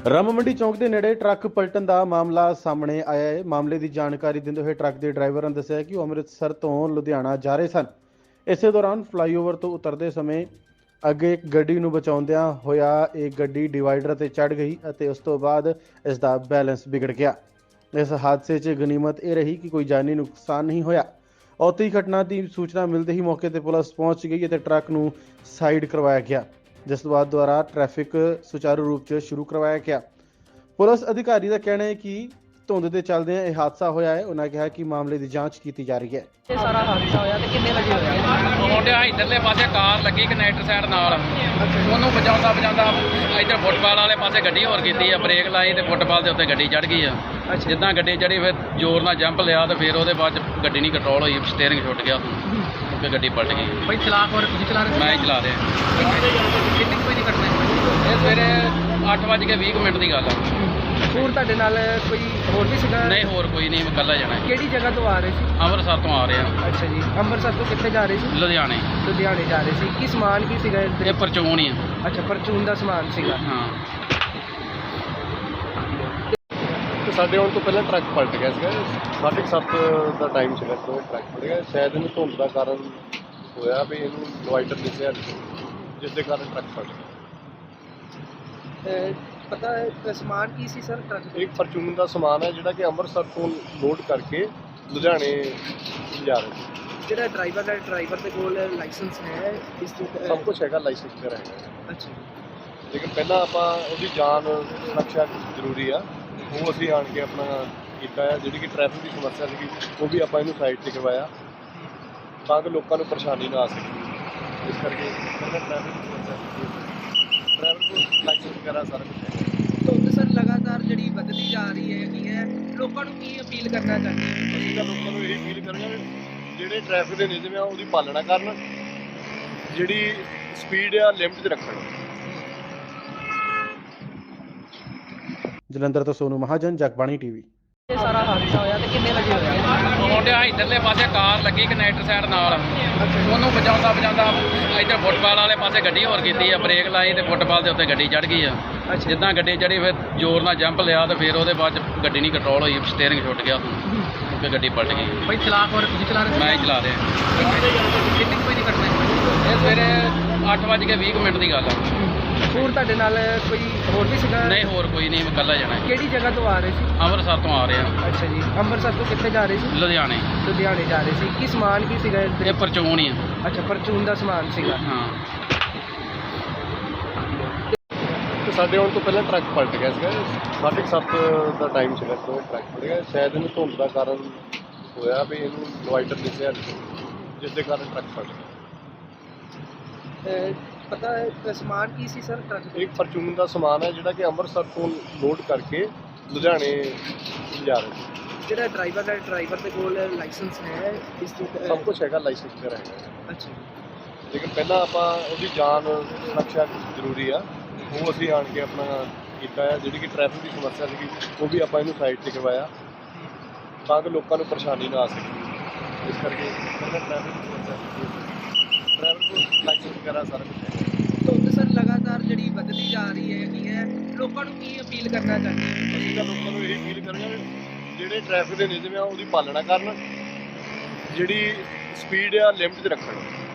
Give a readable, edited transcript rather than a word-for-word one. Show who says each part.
Speaker 1: ਰਾਮ ਮੰਡੀ ਚੌਂਕ ਦੇ ਨੇੜੇ ਟਰੱਕ ਪਲਟਣ ਦਾ ਮਾਮਲਾ ਸਾਹਮਣੇ ਆਇਆ ਹੈ। ਮਾਮਲੇ ਦੀ ਜਾਣਕਾਰੀ ਦਿੰਦੇ ਹੋਏ ਟਰੱਕ ਦੇ ਡਰਾਈਵਰਾਂ ਨੇ ਦੱਸਿਆ ਕਿ ਉਹ ਅੰਮ੍ਰਿਤਸਰ ਤੋਂ ਲੁਧਿਆਣਾ ਜਾ ਰਹੇ ਸਨ। ਇਸੇ ਦੌਰਾਨ ਫਲਾਈਓਵਰ ਤੋਂ ਉਤਰਦੇ ਸਮੇਂ ਅੱਗੇ ਇੱਕ ਗੱਡੀ ਨੂੰ ਬਚਾਉਂਦਿਆਂ ਹੋਇਆ ਇਹ ਗੱਡੀ ਡਿਵਾਈਡਰ ਤੇ ਚੜ੍ਹ ਗਈ ਅਤੇ ਉਸ ਤੋਂ ਬਾਅਦ ਇਸ ਦਾ ਬੈਲੈਂਸ ਵਿਗੜ ਗਿਆ। ਇਸ ਹਾਦਸੇ 'ਚ ਗਨੀਮਤ ਇਹ ਰਹੀ ਕਿ ਕੋਈ ਜਾਨੀ ਨੁਕਸਾਨ ਨਹੀਂ ਹੋਇਆ। ਔਤੀ ਘਟਨਾ ਦੀ ਸੂਚਨਾ ਮਿਲਦੇ ਹੀ ਮੌਕੇ ਤੇ ਪੁਲਿਸ ਪਹੁੰਚ ਗਈ ਅਤੇ ਟਰੱਕ ਨੂੰ ਸਾਈਡ ਕਰਵਾਇਆ ਗਿਆ, ਜਿਸ ਤੋਂ ਬਾਅਦ ਦੁਆਰਾ ਟ੍ਰੈਫਿਕ ਸੁਚਾਰੂ ਰੂਪ 'ਚ ਸ਼ੁਰੂ ਕਰਵਾਇਆ ਗਿਆ। ਪੁਲਿਸ ਅਧਿਕਾਰੀ ਦਾ ਕਹਿਣਾ ਹੈ ਕਿ ਧੁੰਦ ਦੇ ਚੱਲਦਿਆਂ ਇਹ ਹਾਦਸਾ ਹੋਇਆ ਹੈ। ਉਹਨਾਂ ਕਿਹਾ ਕਿ ਮਾਮਲੇ ਦੀ ਜਾਂਚ ਕੀਤੀ ਜਾ ਰਹੀ ਹੈ।
Speaker 2: ਇਹ ਸਾਰਾ ਹਾਦਸਾ ਹੋਇਆ ਤੇ ਕਿੰਨੇ ਵਜੇ ਹੋਇਆ?
Speaker 3: ਮੁੰਡਿਆ ਇਧਰਲੇ ਪਾਸੇ ਕਾਰ ਲੱਗੀ ਕਨੈਕਟਰ ਸਾਈਡ ਨਾਲ, ਉਹਨੂੰ ਬਚਾਉਂਦਾ ਇੱਧਰ ਫੁੱਟਬਾਲ ਵਾਲੇ ਪਾਸੇ ਗੱਡੀ ਹੋਰ ਕੀਤੀ ਆ, ਬ੍ਰੇਕ ਲਾਈ ਤੇ ਫੁੱਟਬਾਲ ਦੇ ਉੱਤੇ ਗੱਡੀ ਚੜ੍ਹ ਗਈ ਆ। ਜਿੱਦਾਂ ਗੱਡੀ ਚੜੀ ਫਿਰ ਜ਼ੋਰ ਨਾਲ ਜੰਪ ਲਿਆ ਤੇ ਫਿਰ ਉਹਦੇ ਬਾਅਦ ਗੱਡੀ ਨਹੀਂ ਕੰਟਰੋਲ ਹੋਈ, ਸਟੀਅਰਿੰਗ ਛੁੱਟ ਗਿਆ ਤੇ ਗੱਡੀ ਪਲਟ ਗਈ।
Speaker 2: ਭਾਈ ਚਲਾਕ ਹੋਰ ਤੁਸੀਂ ਚਲਾ ਰਹੇ?
Speaker 3: ਮੈਂ ਹੀ ਚਲਾ ਰਿਹਾ।
Speaker 2: ਕਿੰਨੀ ਕੋਈ ਨਹੀਂ ਕੱਟਣਾ?
Speaker 3: ਇਹ ਸਵੇਰੇ 8:20 ਦੀ ਗੱਲ ਆ।
Speaker 2: ਹੋਰ ਤੁਹਾਡੇ ਨਾਲ ਕੋਈ ਹੋਰ ਵੀ ਸੀਗਾ?
Speaker 3: ਨਹੀਂ, ਹੋਰ ਕੋਈ ਨਹੀਂ, ਮੈਂ ਇਕੱਲਾ ਜਾਣਾ।
Speaker 2: ਕਿਹੜੀ ਜਗ੍ਹਾ ਤੋਂ ਆ ਰਹੇ ਸੀ?
Speaker 3: ਅੰਮ੍ਰਿਤਸਰ ਤੋਂ ਆ ਰਿਹਾ।
Speaker 2: ਅੱਛਾ ਜੀ, ਅੰਮ੍ਰਿਤਸਰ ਤੋਂ ਕਿੱਥੇ ਜਾ ਰਹੇ ਸੀ?
Speaker 3: ਲੁਧਿਆਣੇ।
Speaker 2: ਲੁਧਿਆਣੇ ਜਾ ਰਹੇ ਸੀ। ਕੀ ਸਮਾਨ ਕੀ ਸੀਗਾ?
Speaker 3: ਇਹ ਪਰਚੂਨ ਹੀ ਆ।
Speaker 2: ਅੱਛਾ, ਪਰਚੂਨ ਦਾ ਸਮਾਨ ਸੀਗਾ।
Speaker 3: ਹਾਂ।
Speaker 4: ਸਾਡੇ ਆਉਣ ਤੋਂ ਪਹਿਲਾਂ ਟਰੱਕ ਪਲਟ ਗਿਆ ਸੀਗਾ। 7:30 ਦਾ ਟਾਈਮ ਸੀਗਾ ਜਦੋਂ ਟਰੱਕ ਪਲਟ ਗਿਆ। ਸ਼ਾਇਦ ਇਹਨੂੰ ਧੁੰਦ ਦਾ ਕਾਰਨ ਹੋਇਆ ਵੀ ਇਹਨੂੰ ਡਿਵਾਈਡਰ ਦਿਸਿਆ ਨਹੀਂ, ਜਿਸ ਦੇ ਕਾਰਨ ਟਰੱਕ ਪਲਟ ਗਿਆ।
Speaker 2: ਪਤਾ ਹੈ ਸਮਾਨ ਕੀ ਸੀ ਸਰ ਟਰੱਕ?
Speaker 4: ਇੱਕ ਫਰਚੂਨ ਦਾ ਸਮਾਨ ਹੈ ਜਿਹੜਾ ਕਿ ਅੰਮ੍ਰਿਤਸਰ ਤੋਂ ਲੋਡ ਕਰਕੇ ਲੁਧਿਆਣੇ ਜਾ ਰਿਹਾ ਸੀ।
Speaker 2: ਜਿਹੜਾ ਡਰਾਈਵਰ ਦੇ ਕੋਲ ਲਾਇਸੈਂਸ ਹੈ ਇਸ ਤੋਂ?
Speaker 4: ਸਭ ਕੁਝ ਹੈਗਾ, ਲਾਇਸੈਂਸ ਵਗੈਰਾ ਹੈਗਾ,
Speaker 2: ਅੱਛਾ।
Speaker 4: ਲੇਕਿਨ ਪਹਿਲਾਂ ਆਪਾਂ ਉਹਦੀ ਜਾਨ ਸੁਰੱਖਿਆ ਜ਼ਰੂਰੀ ਆ, ਉਹ ਅਸੀਂ ਆਣ ਕੇ ਆਪਣਾ ਕੀਤਾ ਹੈ। ਜਿਹੜੀ ਕਿ ਟ੍ਰੈਫਿਕ ਦੀ ਸਮੱਸਿਆ ਸੀਗੀ ਉਹ ਵੀ ਆਪਾਂ ਇਹਨੂੰ ਸਾਈਡ 'ਤੇ ਕਰਵਾਇਆ ਤਾਂ ਕਿ ਲੋਕਾਂ ਨੂੰ ਪਰੇਸ਼ਾਨੀ ਨਾ ਆ ਸਕੇ। ਇਸ ਕਰਕੇ ਟ੍ਰੈਫਿਕ ਦੀ ਸਮੱਸਿਆ ਡਰਾਈਵਰ ਕੋਲ ਲਾਇਸੈਂਸ ਵਗੈਰਾ ਸਾਰਾ ਕੁਝ ਹੈ।
Speaker 2: ਧੁੰਦ ਸਰ ਲਗਾਤਾਰ ਜਿਹੜੀ ਵੱਧਦੀ ਜਾ ਰਹੀ ਹੈ, ਲੋਕਾਂ ਨੂੰ ਕੀ ਅਪੀਲ ਕਰਨਾ ਚਾਹੁੰਦੇ ਹੋ?
Speaker 4: ਅਸੀਂ ਤਾਂ ਲੋਕਾਂ ਨੂੰ ਇਹ ਅਪੀਲ ਕਰਾਂਗੇ ਵੀ ਜਿਹੜੇ ਟ੍ਰੈਫਿਕ ਦੇ ਨਿਯਮ ਆ ਉਹਦੀ ਪਾਲਣਾ ਕਰਨ, ਜਿਹੜੀ ਸਪੀਡ ਆ ਲਿਮਟ 'ਚ ਰੱਖਣ।
Speaker 1: ਜਲੰਧਰ ਤੋਂ ਸੋਨੂ ਮਹਾਜਨ, ਜਗਬਾਣੀ ਟੀਵੀ।
Speaker 2: ਇਹ ਸਾਰਾ ਹਾਦਸਾ ਹੋਇਆ ਤੇ ਕਿੰਨੇ ਵਜੇ ਹੋਇਆ?
Speaker 3: ਮੁੰਡਿਆ ਇਧਰਲੇ ਪਾਸੇ ਕਾਰ ਲੱਗੀ ਕਨੈਕਟਰ ਸਾਈਡ ਨਾਲ, ਉਹਨੂੰ ਬਚਾਉਂਦਾ ਇੱਧਰ ਫੁੱਟਬਾਲ ਵਾਲੇ ਪਾਸੇ ਗੱਡੀ ਹੋਰ ਕੀਤੀ ਆ, ਬ੍ਰੇਕ ਲਾਈ ਤੇ ਫੁੱਟਬਾਲ ਦੇ ਉੱਤੇ ਗੱਡੀ ਚੜ੍ਹ ਗਈ ਆ। ਜਿੱਦਾਂ ਗੱਡੀ ਚੜੀ ਫਿਰ ਜ਼ੋਰ ਨਾਲ ਜੰਪ ਲਿਆ ਤੇ ਫਿਰ ਉਹਦੇ ਬਾਅਦ ਗੱਡੀ ਨਹੀਂ ਕੰਟਰੋਲ ਹੋਈ, ਸਟੀਅਰਿੰਗ ਛੁੱਟ ਗਿਆ ਤੇ ਗੱਡੀ ਪਲਟ ਗਈ।
Speaker 2: ਭਾਈ ਚਲਾਕ ਹੋਰ ਤੁਸੀਂ ਚਲਾ ਰਹੇ?
Speaker 3: ਮੈਂ ਹੀ ਚਲਾ ਰਿਹਾ।
Speaker 2: ਕਿੰਨੀ ਕੋਈ ਨਹੀਂ ਕੱਟਣਾ?
Speaker 3: ਇਹ ਸਵੇਰੇ 8:20 ਦੀ ਗੱਲ ਆ।
Speaker 2: ਹੋਰ ਤੁਹਾਡੇ ਨਾਲ ਕੋਈ ਹੋਰ ਵੀ ਸੀਗਾ?
Speaker 3: ਨਹੀਂ, ਹੋਰ ਕੋਈ ਨਹੀਂ, ਮੈਂ ਇਕੱਲਾ ਜਾਣਾ।
Speaker 2: ਕਿਹੜੀ ਜਗ੍ਹਾ ਤੋਂ ਆ ਰਹੇ ਸੀ?
Speaker 3: ਅੰਮ੍ਰਿਤਸਰ ਤੋਂ ਆ ਰਿਹਾ।
Speaker 2: ਅੱਛਾ ਜੀ, ਅੰਮ੍ਰਿਤਸਰ ਤੋਂ ਕਿੱਥੇ ਜਾ ਰਹੇ ਸੀ?
Speaker 3: ਲੁਧਿਆਣੇ।
Speaker 2: ਲੁਧਿਆਣੇ ਜਾ ਰਹੇ ਸੀ। ਕੀ ਸਮਾਨ ਕੀ ਸੀਗਾ?
Speaker 3: ਇਹ ਪਰਚੂਨ ਹੀ ਆ।
Speaker 2: ਅੱਛਾ, ਪਰਚੂਨ ਦਾ ਸਮਾਨ ਸੀਗਾ।
Speaker 3: ਹਾਂ।
Speaker 4: ਸਾਡੇ ਆਉਣ ਤੋਂ ਪਹਿਲਾਂ ਟਰੱਕ ਪਲਟ ਗਿਆ ਸੀਗਾ। 7:30 ਦਾ ਟਾਈਮ ਸੀਗਾ ਜਦੋਂ ਟਰੱਕ ਪਲਟ ਗਿਆ। ਸ਼ਾਇਦ ਇਹਨੂੰ ਧੁੰਦ ਦਾ ਕਾਰਨ ਹੋਇਆ ਵੀ ਇਹਨੂੰ ਡਿਵਾਈਡਰ ਦਿਸਿਆ ਨਹੀਂ, ਜਿਸ ਦੇ ਕਾਰਨ ਟਰੱਕ ਪਲਟ ਗਿਆ।
Speaker 2: ਪਤਾ ਹੈ ਸਮਾਨ ਕੀ ਸੀ ਸਰ ਟਰੱਕ?
Speaker 4: ਇੱਕ ਫਰਚੂਨ ਦਾ ਸਮਾਨ ਹੈ ਜਿਹੜਾ ਕਿ ਅੰਮ੍ਰਿਤਸਰ ਤੋਂ ਲੋਡ ਕਰਕੇ ਲੁਧਿਆਣੇ ਜਾ ਰਿਹਾ ਸੀ।
Speaker 2: ਜਿਹੜਾ ਡਰਾਈਵਰ ਦੇ ਕੋਲ ਲਾਇਸੈਂਸ ਹੈ ਇਸ ਤੋਂ?
Speaker 4: ਸਭ ਕੁਝ ਹੈਗਾ, ਲਾਇਸੈਂਸ ਵਗੈਰਾ ਹੈਗਾ,
Speaker 2: ਅੱਛਾ।
Speaker 4: ਲੇਕਿਨ ਪਹਿਲਾਂ ਆਪਾਂ ਉਹਦੀ ਜਾਨ ਸੁਰੱਖਿਆ ਜ਼ਰੂਰੀ ਆ, ਉਹ ਅਸੀਂ ਆਣ ਕੇ ਆਪਣਾ ਕੀਤਾ ਹੈ। ਜਿਹੜੀ ਕਿ ਟ੍ਰੈਫਿਕ ਦੀ ਸਮੱਸਿਆ ਸੀਗੀ ਉਹ ਵੀ ਆਪਾਂ ਇਹਨੂੰ ਸਾਈਡ 'ਤੇ ਕਰਵਾਇਆ ਤਾਂ ਕਿ ਲੋਕਾਂ ਨੂੰ ਪਰੇਸ਼ਾਨੀ ਨਾ ਆ ਸਕੇ। ਇਸ ਕਰਕੇ ਟ੍ਰੈਫਿਕ ਦੀ ਸਮੱਸਿਆ ਡਰਾਈਵਰ ਕੋਲ ਲਾਇਸੈਂਸ ਵਗੈਰਾ ਸਾਰਾ ਕੁਝ ਹੈ।
Speaker 2: ਧੁੰਦ ਸਰ ਲਗਾਤਾਰ ਜਿਹੜੀ ਵੱਧਦੀ ਜਾ ਰਹੀ ਹੈ, ਲੋਕਾਂ ਨੂੰ ਕੀ ਅਪੀਲ ਕਰਨਾ ਚਾਹੁੰਦੇ ਹੋ?
Speaker 4: ਅਸੀਂ ਤਾਂ ਲੋਕਾਂ ਨੂੰ ਇਹ ਅਪੀਲ ਕਰਾਂਗੇ ਵੀ ਜਿਹੜੇ ਟ੍ਰੈਫਿਕ ਦੇ ਨਿਯਮ ਆ ਉਹਦੀ ਪਾਲਣਾ ਕਰਨ, ਜਿਹੜੀ ਸਪੀਡ ਆ ਲਿਮਟ 'ਚ ਰੱਖਣ।